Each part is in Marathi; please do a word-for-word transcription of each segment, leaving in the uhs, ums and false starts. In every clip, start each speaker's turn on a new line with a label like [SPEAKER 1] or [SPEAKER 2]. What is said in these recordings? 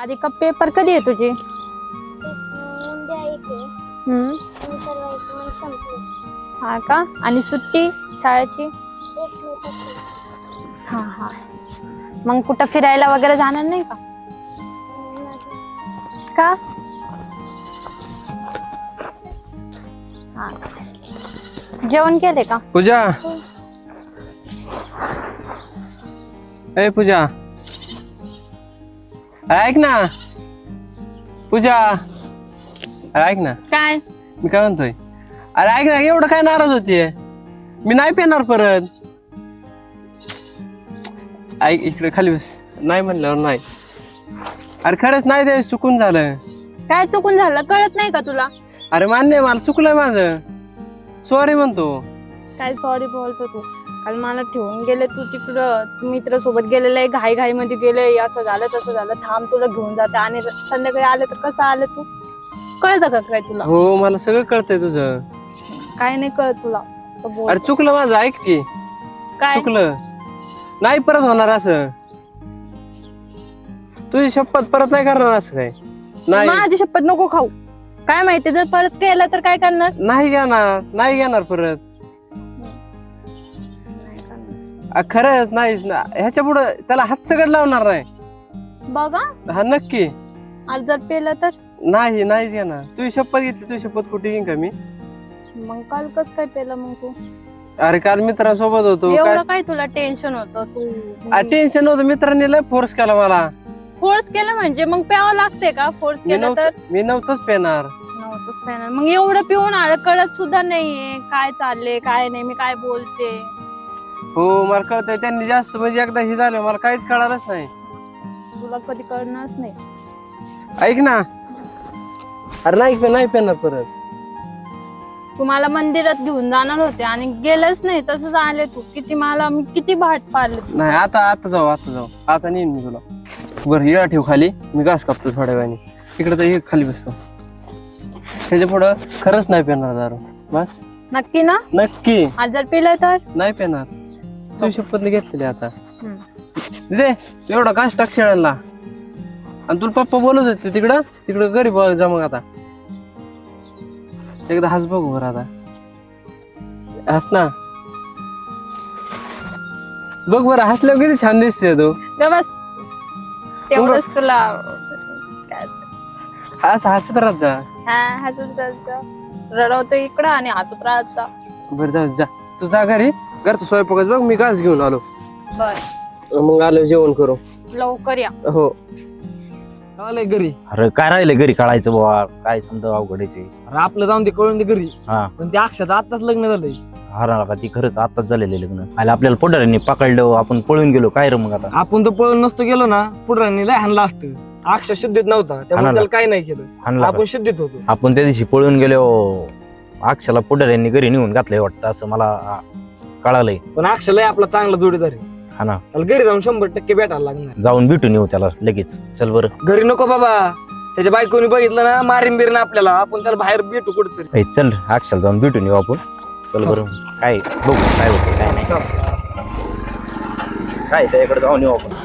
[SPEAKER 1] राधिका पेपर कधी आहे तुझी?
[SPEAKER 2] उद्या येते
[SPEAKER 1] हम्म.
[SPEAKER 2] आणि परवा येते मग संपली.
[SPEAKER 1] हा का? आणि सुट्टी शाळेची?
[SPEAKER 2] एक मे पासून.
[SPEAKER 1] हा हा. मग कुठं फिरायला वगैरे जाणार नाही का?
[SPEAKER 2] अं, नाही.
[SPEAKER 1] का? हा. जेवण केले का?
[SPEAKER 3] पूजा ए पूजा ऐक ना पूजा अरे ऐक ना
[SPEAKER 1] काय?
[SPEAKER 3] मी काय म्हणतोय अरे ऐक ना एवढं काय नाराज होतीये मी नाही पेणार परत ऐक इकडे खाली बस नाही म्हणल्यावर नाही अरे खरंच नाही त्यावेळेस चुकून झालं
[SPEAKER 1] काय चुकून झालं कळत नाही का तुला?
[SPEAKER 3] अरे मान्य आहे, मला चुकलंय माझं सॉरी म्हणतो
[SPEAKER 1] काय सॉरी बोलतो तू? काल मला ठेवून गेले तू तिकडं मित्र सोबत गेलेलं घाई घाई मध्ये गेले असं झालं तसं झालं थांब तुला घेऊन जाते आणि संध्याकाळी आले तर कसं आलं तू? कळतं का काय तुला?
[SPEAKER 3] हो मला सगळं कळतंय तुझं
[SPEAKER 1] काय नाही कळत तुला तर बोल.
[SPEAKER 3] अरे चुकलं माझं ऐक की
[SPEAKER 1] काय
[SPEAKER 3] चुकलं नाही परत होणार असं तुझी शपथ परत नाही करणार असं काय नाही
[SPEAKER 1] माझी शपथ नको खाऊ. काय माहिती जर परत केलं तर काय करणार?
[SPEAKER 3] नाही घेणार नाही घेणार परत अ, खरंच नाहीच ना ह्याच्या पुढे त्याला हात सगळं लावणार नाही
[SPEAKER 1] बघा
[SPEAKER 3] हा नक्की
[SPEAKER 1] आज जर पेलं तर
[SPEAKER 3] नाही नाहीच घेणार तुझी शपथ घेतली तुझी शपथ कुठे घेईन का मी
[SPEAKER 1] मग काल कस काय पेलं मग तू?
[SPEAKER 3] अरे काल मित्रांसोबत होतो
[SPEAKER 1] एवढं काय तुला टेन्शन होतं तू?
[SPEAKER 3] टेन्शन नव्हतं मित्रांनी लय फोर्स केला मला
[SPEAKER 1] फोर्स केलं म्हणजे मग प्यावं लागते का? फोर्स
[SPEAKER 3] मी
[SPEAKER 1] केलं तर
[SPEAKER 3] नव्हतं मी नव्हतंच पेणार
[SPEAKER 1] नव्हतंच पेणार. मग एवढं पिऊन आलं कळत सुद्धा नाहीये काय चाललंय काय नाही मी काय बोलते.
[SPEAKER 3] हो मला कळतंय त्यांनी जास्त म्हणजे एकदा हे झालं मला काहीच कळालंच नाही
[SPEAKER 1] तुला कधी कळणारच नाही.
[SPEAKER 3] ऐक ना अरे नाही पे- नाही पेणार परत
[SPEAKER 1] तुम्हाला मंदिरात घेऊन जाणार होते आणि गेलंच नाही तसंच आले तू. किती मला मी किती भाट पाडले.
[SPEAKER 3] नाही आता आता जाऊ आता जाऊ आता नेईन मी तुला बरं येळा ठेव खाली मी घास कापतो थोड्या वेळाने तिकडे तर एक खाली बसतो त्याच्या पुढं खरंच नाही पेणार दारू बस
[SPEAKER 1] नक्की ना?
[SPEAKER 3] नक्की
[SPEAKER 1] आज जर पिलं तर
[SPEAKER 3] नाही पेणार तू शपथ घेतलेली आता
[SPEAKER 1] हम्म.
[SPEAKER 3] दे एवढा घास टाक शेळ्यांना आणि तुला पप्पा बोलत होते तिकडं तिकडं घरी बघ जा मग आता एकदा हस बघू बरं आता हस ना बघ बरं हसल्यावर किती छान दिसते तू
[SPEAKER 1] ग बस तेवढंच तुला काय
[SPEAKER 3] असं हसत राहत जा
[SPEAKER 1] हा हसत राहायचं. रडवतो इकडं आणि हसत राहायचा.
[SPEAKER 3] बरं जाऊ जा तू जा घरी घरचं स्वयंपाकच बघ मी घास घेऊन आलो
[SPEAKER 1] बर
[SPEAKER 3] मग आलो जेवण करू
[SPEAKER 1] लवकर या.
[SPEAKER 3] हो आलंय घरी
[SPEAKER 4] अरे काय राहिलं घरी काढायचं बाबा काय समजा अवघडायचे.
[SPEAKER 5] अरे आपलं जाऊन ते कळून दे घरी
[SPEAKER 4] हा
[SPEAKER 5] पण त्या अक्षाचं आताच लग्न झालंय.
[SPEAKER 4] हरा का ती खरंच आताच झालेलं लग्न आलं आपल्याला पुढाऱ्यांनी पकडलं आपण पळून गेलो काय रे मग आता.
[SPEAKER 5] आपण तर पळून नसतो गेलो ना पुढाऱ्यांनी लय हाणला असतं. अक्षा शुद्धीत नव्हता त्यामुळे
[SPEAKER 4] हाणला.
[SPEAKER 5] त्याला काही नाही केलं
[SPEAKER 4] हाणला का?
[SPEAKER 5] आपण शुद्धीत होतो.
[SPEAKER 4] आपण त्या दिवशी पळून गेलो अक्षाला पुढाऱ्यांनी घरी नेऊन घातलंय वाटतं असं मला आ, कळालंय.
[SPEAKER 5] पण अक्षा लय आपला चांगला जोडीदार आहे.
[SPEAKER 4] हा ना
[SPEAKER 5] त्याला घरी जाऊन शंभर टक्के भेटायला लागणार.
[SPEAKER 4] जाऊन भेटून येऊ त्याला लगेच चल बरं.
[SPEAKER 5] घरी नको बाबा त्याच्या बायकोनी बघितलं ना मारीन बिरीन आपल्याला आपण त्याला बाहेर भेटू कुठतरी.
[SPEAKER 4] ए, चल अक्षाला जाऊन भेटून येऊ आपण चल बरं काय बघू काय होतं काय नाही काय त्याच्याकडे जाऊन येऊ आपण.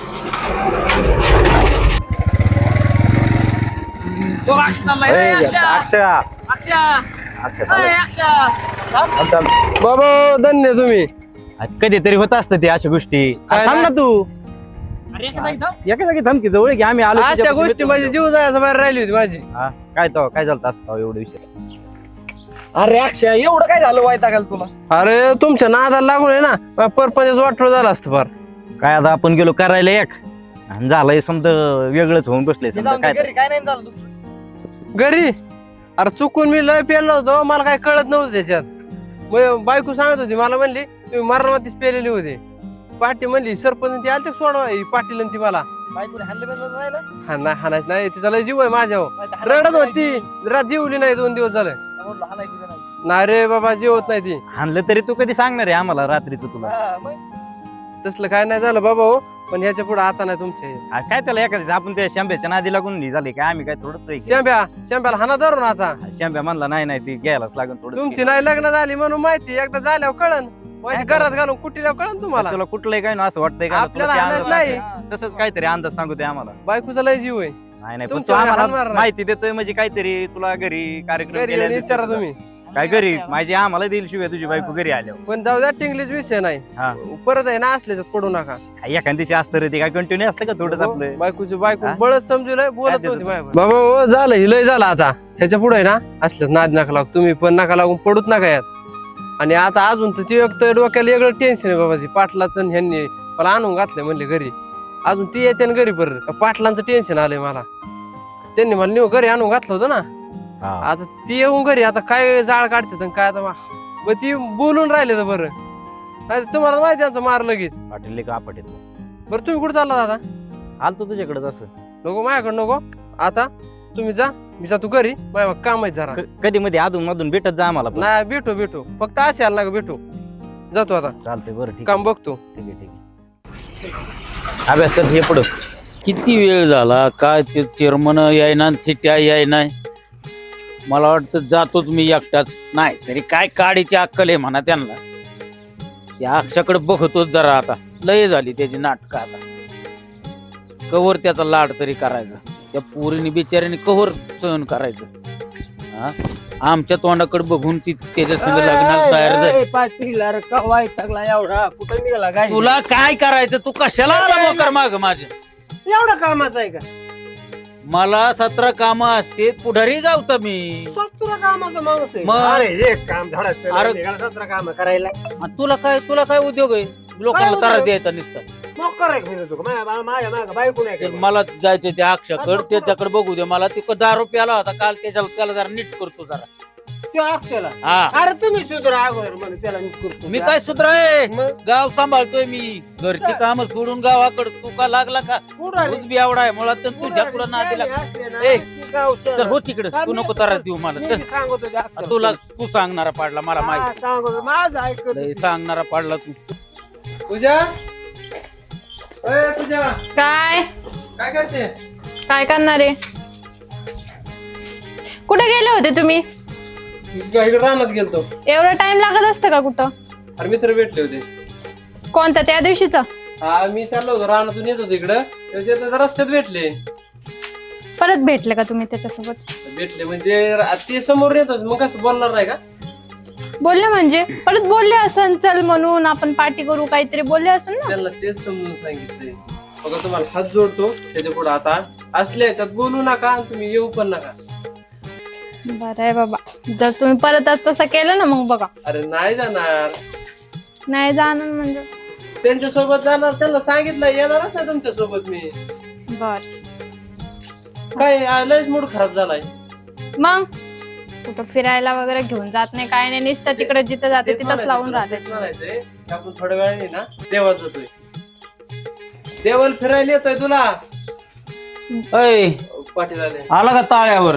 [SPEAKER 4] ए, अक्षय अक्षय थांब, थांब.
[SPEAKER 3] बाबा धन्य तुम्ही
[SPEAKER 4] आज कधीतरी होत असतं ते अशा गोष्टी.
[SPEAKER 3] काय
[SPEAKER 4] थांब ना
[SPEAKER 3] नाही.
[SPEAKER 4] तू एका जागी थांब की जवळ की आम्ही आलो
[SPEAKER 3] अशा
[SPEAKER 4] तुझ्यापाशी
[SPEAKER 3] गोष्टी
[SPEAKER 4] भेटलो.
[SPEAKER 3] माझी जीव जायचं बाहेर राहिली होती माझी
[SPEAKER 4] हा, काय तो काय झालं असतं एवढं विषय.
[SPEAKER 5] अरे अक्षा एवढं काय झालं वायता घाल तुला.
[SPEAKER 3] अरे तुमच्या नादाला लागून आहे ना परपंच वाटलं झालं असतं फार
[SPEAKER 4] काय आता आपण गेलो करायला एक आणि झालंय समजा वेगळंच होऊन बसले
[SPEAKER 5] मी
[SPEAKER 4] समजा
[SPEAKER 5] जाऊन
[SPEAKER 4] काय
[SPEAKER 5] दे घरी काय नाही झालं दुसरं.
[SPEAKER 3] घरी अरे चुकून मी लय पेलो होतो मला काय कळत नव्हतं त्याच्यात मग बायको सांगत होती मला म्हणली तुम्ही मरणावतीच पेलेली होते पाटी म्हणली सरपंच ती आलते सोडवा ही पाटील ती मला
[SPEAKER 5] बायकोने हाणलं बिणलं नाही ना.
[SPEAKER 3] हा नाही हाणायच नाही तिचा लय जीव आहे माझ्यावर
[SPEAKER 5] नाही तर हाणायची
[SPEAKER 3] रडत
[SPEAKER 5] नाही.
[SPEAKER 3] होती रात जीवली नाही दोन दिवस झाले
[SPEAKER 5] म्हणलं हाणायची बी नाही.
[SPEAKER 3] नाही रे बाबा जीवत नाही ती
[SPEAKER 4] हाणलं तरी तू कधी सांगणार आहे आम्हाला रात्रीचं तुला.
[SPEAKER 5] हा, मग.
[SPEAKER 3] तसलं काय नाही झालं बाबा हो पण ह्याच्या पुढे आता नाही तुमच्या
[SPEAKER 4] आ, काय त्याला एखाद्या आपण त्या शांब्याच्या नादी लागून नाही झाले काय आम्ही काय थोडंच
[SPEAKER 3] शेंब्या शेंब्याला हाना धरून आता
[SPEAKER 4] शांब्या म्हणला नाही नाही ती घ्यायलाच लागून थोडं
[SPEAKER 3] तुमची नाही लग्न झाली म्हणून माहिती एकदा झाल्यावर कळन माझ्या घरात घालून कुठीला कळन तुम्हाला
[SPEAKER 4] तुला कुठलंही काय ना असं वाटतंय का
[SPEAKER 3] आपल्याला
[SPEAKER 4] तुला ते
[SPEAKER 3] हाणत
[SPEAKER 4] अंदाज
[SPEAKER 3] नाही.
[SPEAKER 4] सांगते. तसंच काहीतरी अंदाज सांगू दे आम्हाला.
[SPEAKER 3] बायकोचा लय जीव आहे.
[SPEAKER 4] नाही नाही पण तू
[SPEAKER 3] तुमच्या हात
[SPEAKER 4] आम्हाला
[SPEAKER 3] मारणार.
[SPEAKER 4] माहिती देतोय म्हणजे काहीतरी तुला घरी कार्यक्रम
[SPEAKER 3] घरी येऊन
[SPEAKER 4] केलेला
[SPEAKER 3] विचारा
[SPEAKER 4] दिसतोय.
[SPEAKER 3] तुम्ही
[SPEAKER 4] काय घरी माझी आम्हाला देईल शिवाय तुझी बायको घरी आल्यावर.
[SPEAKER 3] पण जाऊ द्या टिंगलीच विषय नाही
[SPEAKER 4] हा
[SPEAKER 3] परत आहे ना असल्याच पडू नका.
[SPEAKER 4] एखाद दिवशी असतं रे ते काय कंटिन्यू असतं का थोडंच आपलं.
[SPEAKER 3] बायकोची बायको
[SPEAKER 4] हा?
[SPEAKER 3] बळच समजूलय बोलत
[SPEAKER 4] काय
[SPEAKER 3] नव्हती
[SPEAKER 4] देतो
[SPEAKER 3] माझ्यावर. बाबा हो झालं ही लय झालं आता ह्याच्या पुढे ना असलं नाद नका लागू तुम्ही पण नका लागून पडूच नका यात. आणि आता अजून तर ती एक तर डोक्याला वेगळं टेन्शन आहे बाबाची पाटलाचं आणि ह्यांनी मला आणून घातलंय म्हणले घरी. अजून ती येते ना घरी परत पाटलांचं टेन्शन आलंय मला. त्यांनी मला नेऊ घरी आणून घातलं होतं ना.
[SPEAKER 4] हा.
[SPEAKER 3] आता ती येऊन घरी आता काय जाळ काढते काय आता मा- मग ती बोलून राहिले तर बरं नाही तर तुम्हाला माहिती त्यांचं मार लगेच.
[SPEAKER 4] पाटील का पाटील
[SPEAKER 3] बरं तुम्ही कुठे चालला दादा.
[SPEAKER 4] आलतो तुझ्याकडे असं
[SPEAKER 3] नको माझ्याकडे नको आता तुम्ही जा मी जातो घरी माझ्या काम आहे जरा.
[SPEAKER 4] क- कधी मध्ये अधून मधून भेटत जा आम्हाला पण.
[SPEAKER 3] नाही भेटू भेटू फक्त असे आला नका भेटू. जातो आता
[SPEAKER 4] चालतंय बरं ठीक आहे
[SPEAKER 3] काम बघतो.
[SPEAKER 4] ठीक आहे ठीक आहे. अभ्यास कर हे पुढं.
[SPEAKER 6] किती वेळ झाला काय ते चेअरमन यायना थिट्या यायना मला वाटतं जातोच मी एकटाच नाही तरी काय काडीची अक्कल आहे म्हणा त्यांना त्या अक्षाकडे बघतोच जरा आता लय झाली त्याची नाटकं आता कवर त्याचा लाड तरी करायचा त्या पोरीने बिचाऱ्याने कवर सहन करायचं हा आमच्या तोंडाकडे बघून ती त्याच्या संग लग्नाला तयार झाली.
[SPEAKER 5] पाटील अरे का वाईटागला एवढा कुठं निघाला काय
[SPEAKER 6] तुला काय करायचं तू कशाला आला मोकर माग माझ्या
[SPEAKER 5] एवढं कामाचं आहे का
[SPEAKER 6] मला सतरा कामं असते पुढारी गावचा मी
[SPEAKER 5] तुला कामाचं माणूस आहे
[SPEAKER 6] मग?
[SPEAKER 5] अरे एक काम धडाचं
[SPEAKER 6] अरे-
[SPEAKER 5] निघाला सतरा काम करायला
[SPEAKER 6] आणि तुला काय तुला काय उद्योग आहे लोकांना
[SPEAKER 5] काय
[SPEAKER 6] त्रास
[SPEAKER 5] उद्योग?
[SPEAKER 6] द्यायचा नुसता
[SPEAKER 5] मग कराय फिरतो का माझ्या बा- माझ्या मागं बायको नाही
[SPEAKER 6] तर
[SPEAKER 5] का?
[SPEAKER 6] मला जायचं त्या अक्षाकड त्याच्याकडे बघू दे मला ते दारू प्याला होता काल त्याच्याला त्याला जरा नीट करतो जरा
[SPEAKER 5] त्यो अक्षयला
[SPEAKER 6] हा
[SPEAKER 5] अरे तुम्ही सुधरा अगोदर म्हणे त्याला नीट करतो
[SPEAKER 6] मी काय सुधराय
[SPEAKER 5] मग?
[SPEAKER 6] गाव सांभाळतोय मी घरची काम सोडून गावाकडे तू का लागला का
[SPEAKER 5] पुढारी-
[SPEAKER 6] तूच बी एवढा आहे मुळात तर तुझ्या पुढे नादी
[SPEAKER 5] पुढारी
[SPEAKER 6] लागला
[SPEAKER 5] असले ना,
[SPEAKER 6] ए,
[SPEAKER 5] की गाव शहर.
[SPEAKER 6] तर हो तिकडे
[SPEAKER 5] का
[SPEAKER 6] तू
[SPEAKER 5] मी-
[SPEAKER 6] नको त्रास देऊ मला
[SPEAKER 5] मी
[SPEAKER 6] तर
[SPEAKER 5] सांगतो त्या अक्षयला.
[SPEAKER 6] तुला तू सांगणारा पाडला मला
[SPEAKER 5] हा,
[SPEAKER 6] माहिती
[SPEAKER 5] सांगतो माझं ऐकत
[SPEAKER 6] लय सांगणारा पाडला तू
[SPEAKER 3] तुझ्या तुझ्या
[SPEAKER 1] काय
[SPEAKER 3] काय करते.
[SPEAKER 1] काय करणार आहे. कुठे गेले होते तुम्ही.
[SPEAKER 3] इकडे रानात गेलतो.
[SPEAKER 1] एवढा टाइम लागत असतं का कुठं.
[SPEAKER 3] अरे मित्र भेटले होते.
[SPEAKER 1] कोणता त्या दिवशीचा.
[SPEAKER 3] हा मी चाललो होतो रानातून येत होतो इकडं त्याच्या रस्त्यात भेटले.
[SPEAKER 1] परत भेटले का तुम्ही त्याच्यासोबत.
[SPEAKER 3] भेटले म्हणजे रा- ते समोर येत होते मग कसं बोलणार नाही का.
[SPEAKER 1] बोलले म्हणजे परत बोलले असन चल म्हणून आपण पार्टी करू काहीतरी बोलले असन ना.
[SPEAKER 3] त्यांना तेच समजून सांगितलंय. बघा तुम्हाला हात जोडतो त्याच्या पुढे आता असल्या याच्यात बोलू नका आणि तुम्ही येऊ पण नका.
[SPEAKER 1] बरं आहे बाबा जर तुम्ही परत आज तसं केलं ना मग बघा.
[SPEAKER 3] अरे नाही जाणार
[SPEAKER 1] नाही जाणार म्हणजे.
[SPEAKER 3] त्यांच्या सोबत जाणार त्यांना सांगितलं येणारच नाही तुमच्या सोबत मी.
[SPEAKER 1] बर
[SPEAKER 3] काय आ, लयच मूड खराब झालाय.
[SPEAKER 1] मग कुठं फिरायला वगैरे घेऊन जात नाही काय नाही नुसतं तिकडे जिथं जाते
[SPEAKER 3] तेच
[SPEAKER 1] तिथंच
[SPEAKER 3] म्हणायचंय
[SPEAKER 1] लावून
[SPEAKER 3] तुला,
[SPEAKER 1] राहते.
[SPEAKER 3] तेच म्हणायचंय की आपण थोड्या वेळाने ना देवात जातोय. देवाला फिरायला येतोय तुला.
[SPEAKER 6] अय
[SPEAKER 3] पाटील आले.
[SPEAKER 6] आला का ताळ्यावर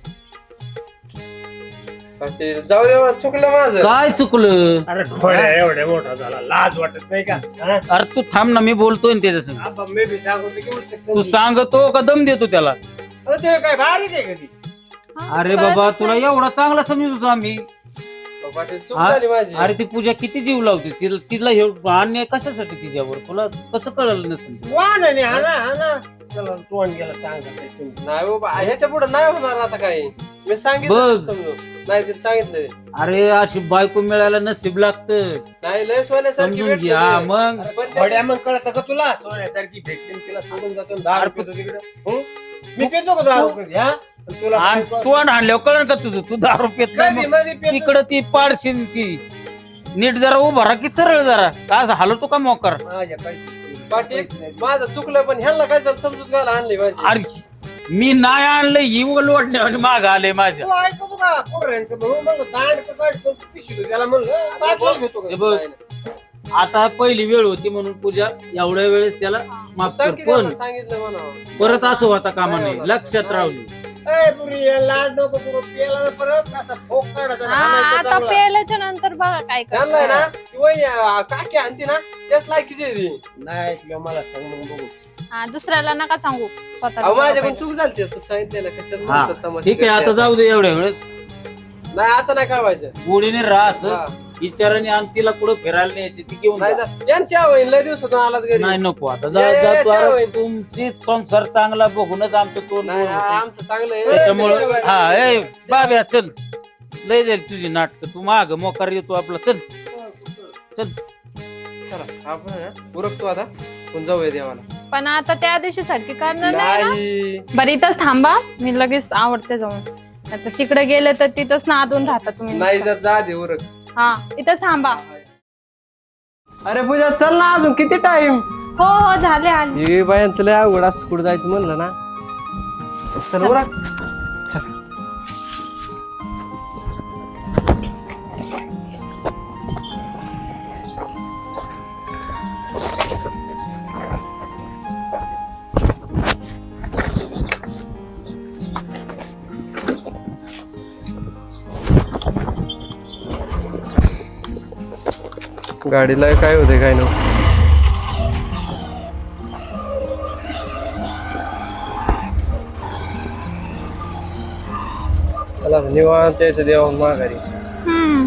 [SPEAKER 3] पाटील जाऊ देवा चुकलं माझं.
[SPEAKER 6] काय चुकलं
[SPEAKER 5] अरे घोड्या एवढ्या मोठा झाला लाज वाटत नाही का हा?
[SPEAKER 6] अरे तू थांब ना मी बोलतोय ना त्याच्या संग
[SPEAKER 5] आबा, मी बी सांगतो की उलट
[SPEAKER 6] तू
[SPEAKER 5] समजून.
[SPEAKER 6] सांगतो का दम देतो त्याला
[SPEAKER 5] अरे ते काय बारीक आहे कधी
[SPEAKER 1] हा,
[SPEAKER 6] अरे
[SPEAKER 1] कळतच
[SPEAKER 6] बाबा
[SPEAKER 1] नाही.
[SPEAKER 6] तुला एवढा चांगला समजत होतो आम्ही
[SPEAKER 3] पाटील चूक
[SPEAKER 6] हा?
[SPEAKER 3] झाली माझी.
[SPEAKER 6] अरे ती पूजा किती जीव लावते तिला तिला हे अन्याय कशासाठी तिच्यावर तुला कसं कळलं नसेल
[SPEAKER 5] वा ना हा ना हा ना चला तोंड गेला सांगा काय समजून.
[SPEAKER 3] नाही बाबा ह्याच्या पुढे नाही होणार आता काही. मी सांगितलं
[SPEAKER 6] बघ.
[SPEAKER 3] समजून नाही तरी सांगितलंय.
[SPEAKER 6] अरे अशी बायको मिळायला नसीब लागतं
[SPEAKER 3] नाही लय सोन्यासारखी
[SPEAKER 6] समजून
[SPEAKER 3] भेटली
[SPEAKER 6] घ्या
[SPEAKER 3] ते.
[SPEAKER 6] मग
[SPEAKER 3] अरे पण त्या-
[SPEAKER 5] घोड्या मग कळत का तुला सोन्यासारखी भेटली आणि तिला सोडून जातो आणि दारू पितो तिकडे हं? मी पितो का दारू कधी हा आणि तुला
[SPEAKER 6] आणि
[SPEAKER 5] काय-
[SPEAKER 6] तू आणल्यावर कळण का तुझं तू दारू पेत
[SPEAKER 5] कधी
[SPEAKER 6] नाही मग.
[SPEAKER 5] मध्ये पितो.
[SPEAKER 6] तिकडं ती पाडशील ती नीट जरा उभा राहा की सरळ जरा काय असं हलवतो का मोकर
[SPEAKER 5] माझ्या पैसे
[SPEAKER 3] पाटील
[SPEAKER 5] पैसे नाही.
[SPEAKER 3] माझं चुकलं पण ह्याला काय झालं समजूत घाला आणली माझी.
[SPEAKER 6] अरे मी नाही आणलं ही लोटण्या आणि माग आले माझ्या
[SPEAKER 5] तू ऐकतो का पोरांचं म्हणून म्हणलं दांड तर काढ पण पिशवी त्याला म्हणलं पाठवून घेतो का?
[SPEAKER 6] हे बघ.
[SPEAKER 3] नाही, नाही.
[SPEAKER 6] आता पहिली वेळ होती म्हणून पूजा एवढ्या वेळेस त्याला माफ कर
[SPEAKER 3] सांग की
[SPEAKER 6] पण
[SPEAKER 3] त्याला सांगितलं म्हणावं.
[SPEAKER 6] परत असं होता कामा नाही लक्षात राहली
[SPEAKER 5] ए, पुरी, या लाड नको करू. प्यायला ना परत असा फोक काढायचा आणि
[SPEAKER 1] हा,
[SPEAKER 5] हाणायचा
[SPEAKER 1] आता
[SPEAKER 5] चांगला.
[SPEAKER 1] पेल्याच्या नंतर बघा काय
[SPEAKER 3] त्यांना आहे
[SPEAKER 1] करतो.
[SPEAKER 3] ना ती वहिनी, आ, काकी आणती ना त्याच लायकीची आहे ती.
[SPEAKER 5] नाही ऐकलं मला सांग मग बघू
[SPEAKER 1] हा दुसऱ्याला नका सांगू
[SPEAKER 3] अहो,
[SPEAKER 1] स्वतः
[SPEAKER 3] माझ्याकडून चूक झाली ते. तू सांगितलेलं कशाला
[SPEAKER 6] हा
[SPEAKER 3] माणसात तमाशा
[SPEAKER 6] ठीक आहे आता
[SPEAKER 3] करते.
[SPEAKER 6] जाऊ दे एवढ्या वेळेस
[SPEAKER 3] नाही आता नाही काय व्हायचं.
[SPEAKER 6] गोडीने राहा
[SPEAKER 3] हा.
[SPEAKER 6] असं विचाराने आणि तिला कुठं फिरायला न्यायची ती घेऊन
[SPEAKER 3] नाही
[SPEAKER 6] जा.
[SPEAKER 3] जा. यांच्या होईल लय दिवसातून आलात घरी.
[SPEAKER 6] नाही नको आता
[SPEAKER 3] या,
[SPEAKER 6] जा
[SPEAKER 3] या,
[SPEAKER 6] जा
[SPEAKER 3] या,
[SPEAKER 6] तू
[SPEAKER 3] चहा
[SPEAKER 6] अरे
[SPEAKER 3] होईल.
[SPEAKER 6] तुमची संसार चांगला बघूनच आमचं तोंड
[SPEAKER 3] नाही,
[SPEAKER 6] गोड होतं.
[SPEAKER 3] आमचं चांगलं आहे.
[SPEAKER 6] त्याच्यामुळं हा ए बाब्या चल लय जाईल तुझी नाटक तू माग मोकार येतो आपला चल चल
[SPEAKER 3] चला आपण आहे ना, उरकतो आता पण जाऊया देवाला.
[SPEAKER 1] पण आता त्या दिवशी सारखी करणार नाही ना?
[SPEAKER 3] नाही
[SPEAKER 1] बरं इथंच थांबा, मी लगेच आवडते जाऊन. आता तिकडे गेले तर तिथंच नादून राहता तुम्ही
[SPEAKER 3] नाही
[SPEAKER 1] नुसतं.
[SPEAKER 3] जात जा दे उरक.
[SPEAKER 1] हा इथंच थांबा.
[SPEAKER 3] अरे पूजा चल ना, अजून किती टाइम.
[SPEAKER 1] हो हो झाले आले.
[SPEAKER 3] हे बायांचं लय अवघड असतं, कुठं जायचं म्हणलं ना. चल उरक. चल. गाडीला काय होते काय नाही. चला निवांत यायचं देवाहून माघारी.
[SPEAKER 1] हम्म.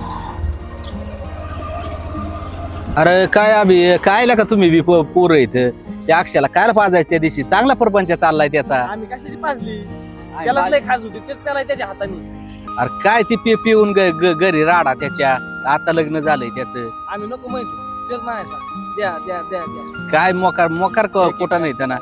[SPEAKER 7] अरे काय अभि काय का तुम्ही बी पो- पोरं इथं त्या अक्षयाला काय पाजायचं त्या दिवशी चांगला प्रपंच चाललाय त्याचा.
[SPEAKER 8] आम्ही कशाची पाजली त्याला लय खास होती तेच त्याला त्याच्या हाताने.
[SPEAKER 7] अरे काय ती पे पिऊन ग- ग- घरी राडा त्याच्या आता लग्न झालंय त्याच.
[SPEAKER 8] आम्ही नको माहिती तेच म्हणायचा द्या द्या द्या द्या.
[SPEAKER 7] काय मोकार मोकार क- कुठं नाही त्यांना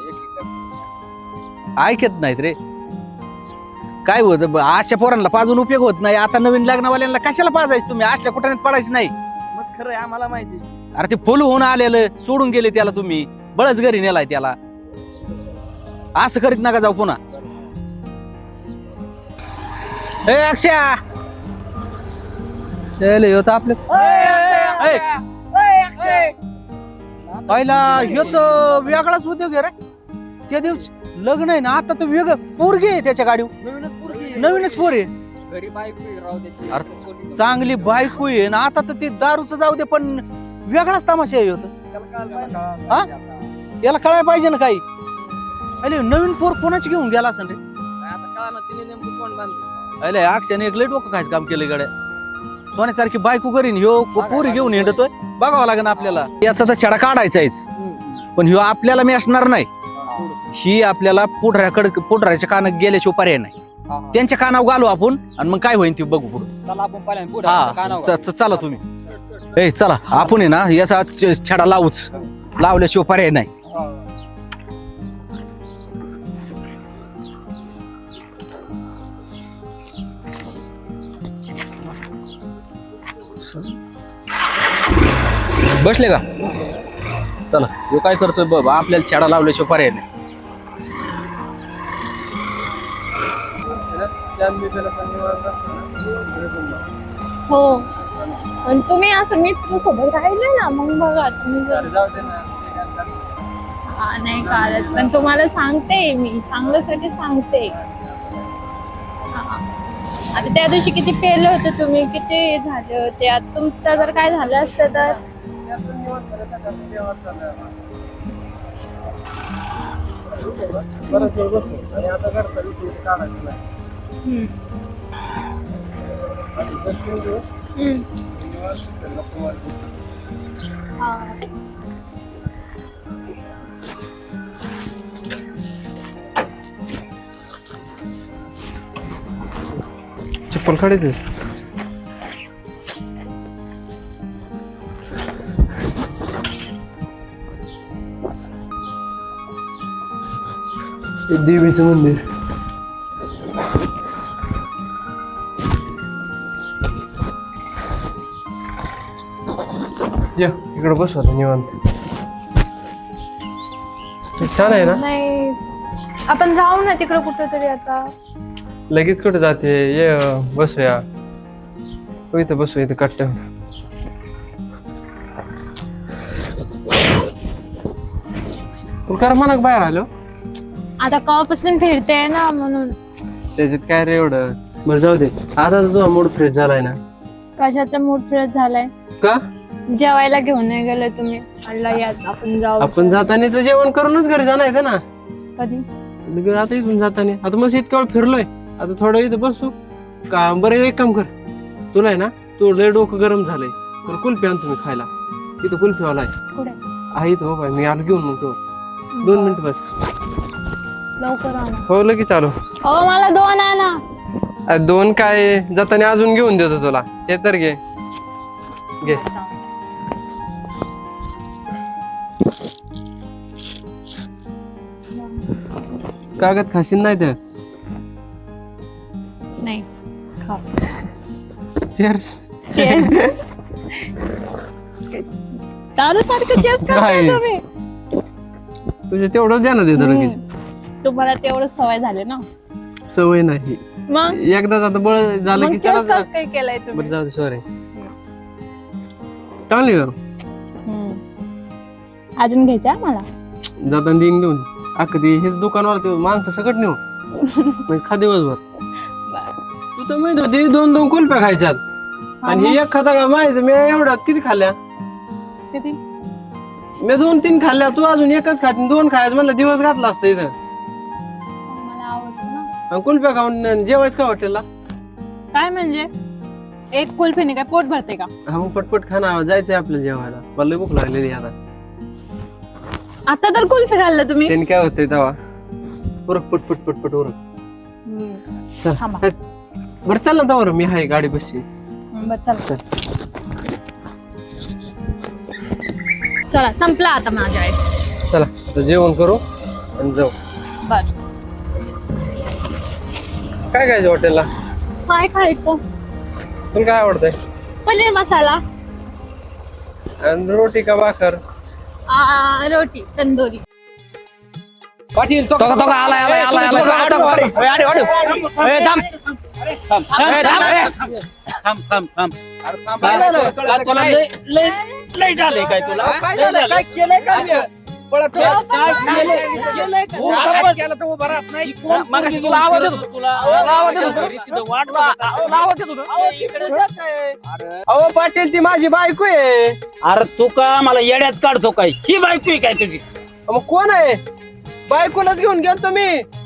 [SPEAKER 7] ऐकत नाहीत रे. काय होत अशा पोरांना पाजून उपयोग होत नाही. आता नवीन लग्नवाल्यांना कशाला पाजायचं तुम्ही, असल्या कुठं पडायचं नाही.
[SPEAKER 8] मग खरं आहे आम्हाला माहिती.
[SPEAKER 7] अरे ते फुल होऊन आलेलं सोडून गेले त्याला तुम्ही, बळच घरी नेलाय त्याला. असं करीत नका जाऊ पुन्हा. ए अक्षया आपलं पहिला ह्यो तर वेगळाच उद्योग आहे रे. त्या दिवशी लग्न आहे ना, आता तर वेगळं पोरगी आहे त्याच्या गाडीवर.
[SPEAKER 8] नवीनच पोरगी
[SPEAKER 7] नवीनच पोर आहे.
[SPEAKER 8] घरी बायको राहू द्यायची.
[SPEAKER 7] अरे चांगली बायको आहे ना, आता तर ते दारूचं जाऊ दे पण वेगळाच तमाशा आहे ह्यो तर.
[SPEAKER 8] त्याला कळायला पाहिजे.
[SPEAKER 7] हा? याला कळायला पाहिजे ना काही. अरे नवीन पोर कोणाची घेऊन गेला असं रे.
[SPEAKER 8] काय आता कळा ना तिने नेमकं कोण बांधलं.
[SPEAKER 7] अरे अक्षयाने एक लय डोकं खायचं काम केलं गड्या. सोन्यासारखी बायको करीन ह्यो पोरी घेऊन हिंडतोय. बघावं लागेल आपल्याला. याचा तर छडा काढायचाच पण ह्यो आपल्याला मिळणार नाही. ही आपल्याला पुढऱ्याकडे पुढऱ्याच्या कानात गेल्याशिवाय पर्याय नाही. त्यांच्या कानावर घालू आपण आणि मग काय होईल ते बघू पुढं.
[SPEAKER 8] चला आपण पहिल्यांदा पुढं
[SPEAKER 7] हा
[SPEAKER 8] कानावर.
[SPEAKER 7] च- च- चला तुम्ही. ए चला आपण आहे ना याचा छ- छडा लावूच. लावल्याशिवाय पर्याय नाही. बसले का? चला ह्यो काय करतोय बघ, आपल्याला छडा लावल्याशिवाय पर्याय नाही.
[SPEAKER 1] हो आणि तुम्ही असं मित्र सोबत राहिले ना मग बघा तुम्ही जर हा, नाही काढत पण तुम्हाला सांगते मी चांगल्यासाठी सांगते. हा. आता त्या दिवशी किती पेले होते तुम्ही, किती झाले होते. आता तुमचं जर काय झालं असतं तर हम्म. हम्म. हा.
[SPEAKER 3] चप्पल काढायचं. देवीचं मंदिर. या इकडे बसू आता निवांत. छान आहे ना.
[SPEAKER 1] नाही आपण जाऊ ना तिकडे कुठेतरी आता.
[SPEAKER 3] लगेच कुठे जाते, ये बसूया. हो इथं बसू, इथं कट्ट. कर म्हणा बाहेर आलो.
[SPEAKER 1] आता कवापासून फिरते ना म्हणून.
[SPEAKER 3] त्याच्यात काय रे एवढं. बरं जाऊ दे, आता तर तुझा मूड फ्रेश झालाय ना.
[SPEAKER 1] कशाचा मूड फ्रेश झालाय.
[SPEAKER 3] का
[SPEAKER 1] जेवायला घेऊन नाही गेले तुम्ही. म्हणलं या आपण जाऊ.
[SPEAKER 3] आपण जाताना तर जेवण करूनच घरी जाणार ना.
[SPEAKER 1] कधी
[SPEAKER 3] आता इथून जाताना आता मस्त इतका वेळ फिरलोय. आता थोडं इथं बसू का. बरं एक काम कर, तुला आहे ना तो लय डोकं गरम झालंय तर कुल्फी आणतो मी खायला. तिथं कुल्फीवाला आहे.
[SPEAKER 1] कुठे
[SPEAKER 3] आहे इथं बाबा, मी आलो घेऊन मग तो दोन मिनिट बस.
[SPEAKER 1] लवकर आणा.
[SPEAKER 3] हो लगेच चालू.
[SPEAKER 1] अहो मला दोन आणा.
[SPEAKER 3] अरे दोन काय जाताना अजून घेऊन देतो तुला. हे तर घे घे. कागद खाशील नाही तर.
[SPEAKER 1] नाही खा.
[SPEAKER 3] चेअर्स.
[SPEAKER 1] दारू सारखं चेस
[SPEAKER 3] काय?
[SPEAKER 1] करताय तुम्ही.
[SPEAKER 3] तुझे तेवढंच द्या ना देतो लगेच.
[SPEAKER 1] हम्म. तुम्हाला तेवढं सवय झाली ना.
[SPEAKER 3] सवय नाही.
[SPEAKER 1] मग
[SPEAKER 3] एकदा आता बळ झालं
[SPEAKER 1] मग
[SPEAKER 3] की
[SPEAKER 1] चेस
[SPEAKER 3] चला.
[SPEAKER 1] कसं काय केलंय
[SPEAKER 3] बरं
[SPEAKER 1] तुम्ही.
[SPEAKER 3] जाऊ दे सॉरी. चांगली का
[SPEAKER 1] हम्म. अजून घ्यायचं मला.
[SPEAKER 3] जाताना देईन घेऊन. अख्खं ते हेच दुकानवाला ते माणसं सगळं नेऊ म्हणजे खा दिवसभर. तू तर माहित होती दोन दोन कुल्फ्या खायच्यात आणि हे एक खाता का माहिती. मी एवढ्या किती खाल्ल्या.
[SPEAKER 1] किती.
[SPEAKER 3] मी दोन तीन खाल्ल्या, तू अजून एकच खात. दोन खायचं म्हणलं दिवस घातला असतं इथं.
[SPEAKER 1] मला आवडतं ना.
[SPEAKER 3] आणि कुल्फ्या खाऊन जेवायचं का हॉटेलला.
[SPEAKER 1] काय म्हणजे एक कुल्फीने काय पोट भरते का.
[SPEAKER 3] हा मग पटपट खाना जायचंय आपल्याला जेवायला. मला लय भूक लागलेली आता.
[SPEAKER 1] आता तर कुल्फी खाल्लं तुम्ही.
[SPEAKER 3] त्याने काय होतंय तेव्हा उरक पटपट पटपट उरक. चल
[SPEAKER 1] थांबा.
[SPEAKER 3] बरं चल ना तवर मी आहे गाडी बसची.
[SPEAKER 1] बरं चला. चला संपला आता माझ्या वेळेस.
[SPEAKER 3] चला आता जेवण करू आणि जाऊ.
[SPEAKER 1] बर
[SPEAKER 3] काय खायचं हॉटेलला.
[SPEAKER 1] काय खायचं.
[SPEAKER 3] तुला काय आवडतंय.
[SPEAKER 1] पनीर मसाला.
[SPEAKER 3] आणि रोटी का भाकर.
[SPEAKER 1] आ, रोटी तंदुरी.
[SPEAKER 8] पाटील तो
[SPEAKER 7] तो का- तो का आलाय, आलाय, आलाय, आलाय.
[SPEAKER 6] ए, अरे, अरे. ए, थांब. थांब, थांब, ए, थांब, ए. थांब, थांब, थांब.
[SPEAKER 8] काय झालं?
[SPEAKER 6] का तुला लय लय लय झालंय काय तुला.
[SPEAKER 8] काय
[SPEAKER 6] लय
[SPEAKER 8] झालं?
[SPEAKER 6] झालंय.
[SPEAKER 8] काय केलंय का मी? पळत
[SPEAKER 6] काय-
[SPEAKER 8] हो.
[SPEAKER 6] काय
[SPEAKER 8] काय
[SPEAKER 6] केलंय?
[SPEAKER 8] केलंय का?
[SPEAKER 6] हो,
[SPEAKER 8] काय
[SPEAKER 6] आपण-
[SPEAKER 8] केलं तर उभं राहत नाही.
[SPEAKER 6] मगाशी तुला आवाज येत होता. तुला आवाज येत होता. तिथं वाट बघत होता. आवाज येत होता.
[SPEAKER 8] अहो, ती तुझंच आहे.
[SPEAKER 3] अहो पाटील ती माझी बायको आहे.
[SPEAKER 6] अरे तू का मला येड्यात काढतो काय. ही बायको आहे काय तुझी.
[SPEAKER 3] मग कोण आहे. बायकोलाच घेऊन गेलतो मी.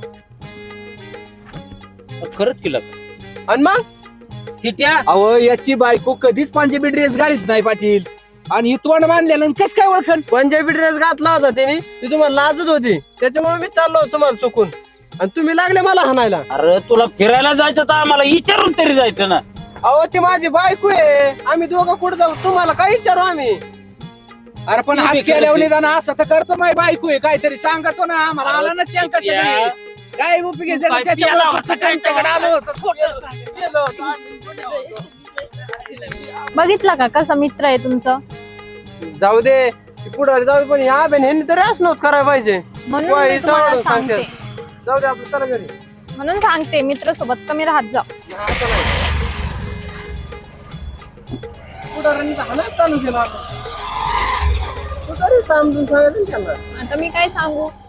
[SPEAKER 6] खरंच केलं.
[SPEAKER 3] आणि मग
[SPEAKER 6] किट्या
[SPEAKER 8] अहो याची बायको कधीच पंजाबी ड्रेस घालीत नाही पाटील. आणि ही तोंड बांधलेलं कस काय ओळखन.
[SPEAKER 3] पंजाबी ड्रेस घातला होता त्याने. ती तुम्हाला लाजत होती त्याच्यामुळे मी चाललो होतो तुम्हाला चुकून. आणि तुम्ही लागले मला हाणायला.
[SPEAKER 6] अरे तुला फिरायला जायचं तर आम्हाला विचारून तरी जायचं ना.
[SPEAKER 3] अहो ती माझी बायको आहे. आम्ही दोघं कुठे जाऊ तुम्हाला काय विचारू आम्ही.
[SPEAKER 8] अरे पण हात केल्यावर निदान असं तर करतो माझी बायको आहे काहीतरी सांगतो ना. आम्हाला आला ना शंका सगळी. काय उपयोग
[SPEAKER 6] काय पियाला होता काय
[SPEAKER 8] त्याच्याकडे आलो होतो.
[SPEAKER 1] बघितला का कसा मित्र आहे तुमचा.
[SPEAKER 3] जाऊ दे पुढे जाऊ दे पण या बेन ह्यांनी तरी असं नव्हतं करायला पाहिजे.
[SPEAKER 1] म्हणून
[SPEAKER 3] होय,
[SPEAKER 1] मी तुम्हाला
[SPEAKER 3] चावडून सांगते.
[SPEAKER 1] सांगते.
[SPEAKER 3] जाऊ दे आपलं चला घरी.
[SPEAKER 1] म्हणून सांगते मित्र सोबत कमी राहत जा.
[SPEAKER 3] पुढाऱ्यांनी तर हाणायला चालू केलं आता. तू तरी समजून सांगायचं ना त्यांना.
[SPEAKER 1] आता मी काय सांगू.